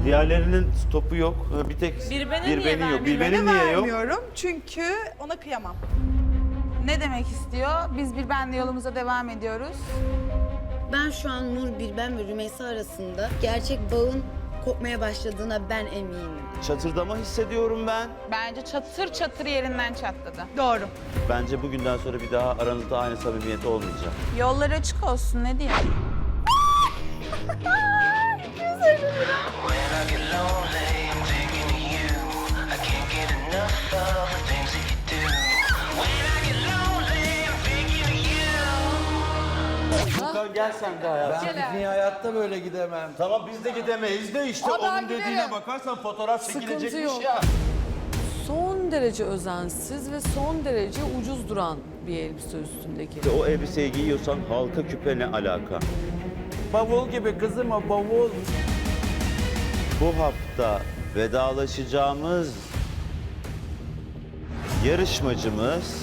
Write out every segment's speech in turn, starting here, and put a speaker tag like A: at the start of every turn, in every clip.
A: Diğerlerinin stopu yok. Bir tek
B: Bir beni
A: bir
B: niye
A: beni yok. Bir
B: vermiyor?
A: benim niye yok?
C: Vermiyorum çünkü ona kıyamam. Ne demek istiyor? Biz bir benle yolumuza devam ediyoruz.
D: Ben şu an Nur Bilben ve Rümeysa arasında gerçek bağın kopmaya başladığına ben eminim.
A: Çatırdama hissediyorum ben.
C: Bence çatır çatır yerinden çatladı. Doğru.
A: Bence bugünden sonra bir daha aranızda aynı samimiyet olmayacak.
C: Yolları açık olsun ne diyeyim?
E: When I get lonely, I'm thinking of you. I can't get enough of the things that you do. When I get lonely, I'm thinking of you.
A: Furkan gel sen de hayatım.
F: Ben pikniğe hayatta böyle gidemem.
A: Tamam biz de gidemeyiz de işte onun dediğine bakarsan fotoğraf çekilecekmiş ya.
G: Son derece özensiz ve son derece ucuz duran bir elbise üstündeki.
A: O elbiseyi giyiyorsan halka küpe ne alaka?
F: Bavul gibi kızım o bavul.
A: Bu hafta vedalaşacağımız yarışmacımız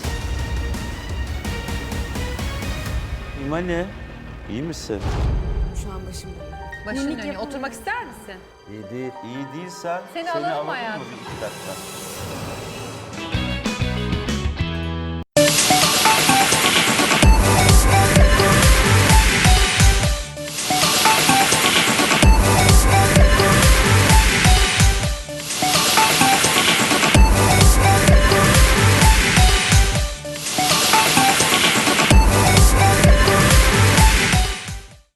A: İmane. İyi misin?
G: Şu an başımda.
B: Başın dönüyor. Oturmak ister misin?
F: İyi değil.
A: İyi değilsen
B: Seni alırım
A: alırım mı
B: hayatım.
A: bir iki dakika?